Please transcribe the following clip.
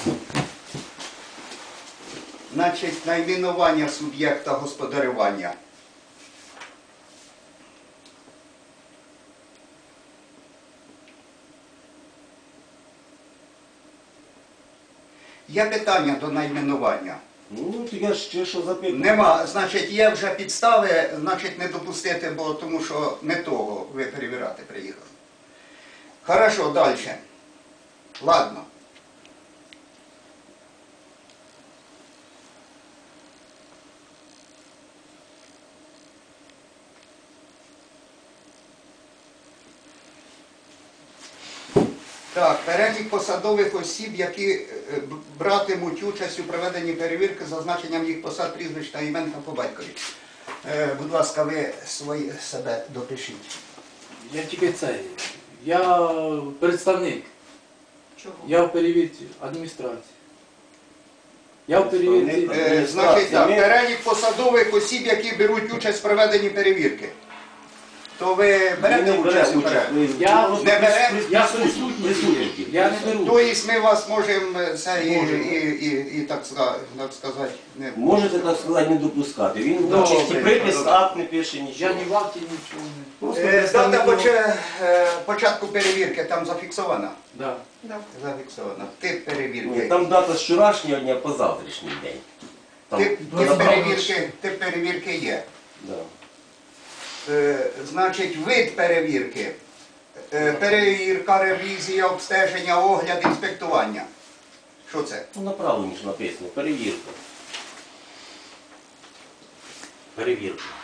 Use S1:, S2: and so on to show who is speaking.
S1: Значить, найменування суб'єкта господарювання. Є питання до найменування?
S2: Ну, то я ще що запитую.
S1: Нема. Значить, є вже підстави, значить, не допустити, бо тому що не того ви перевіряти приїхали. Хорошо, далі. Ладно. Так, перелік посадових осіб, які братимуть участь у проведенні перевірки за значенням їх посад, прізвищ та імен та по батькові. Будь ласка, ви себе допишіть.
S3: Я тільки це. Я представник.
S4: Чого?
S3: Я в перевірці адміністрації. Я в перевірці.
S1: Значить, так, перелік посадових осіб, які беруть участь в проведенні перевірки. То ви берете участь у перевірці?
S3: Я
S1: Не бере?
S3: Я присутній. Я не беру.
S1: Тобто ми вас можемо це і так сказати, не...
S2: Можете, так сказати, не допускати. Він
S1: Добре.
S2: чисті припис, акт не пише нічого.
S3: Я ні в акті нічого не.
S2: Просто
S1: Дата
S2: представник-
S1: початку перевірки там зафіксована?
S3: Да.
S4: Да.
S1: Зафіксована. Тип перевірки.
S2: Там дата з вчорашнього дня по завтрашній день. Там
S1: Тип перевірки є.
S2: Да.
S1: Значить, вид перевірки. Перевірка, ревізія, обстеження, огляд, інспектування. Що це?
S2: Ну, направлені ж написано, перевірка. Перевірка.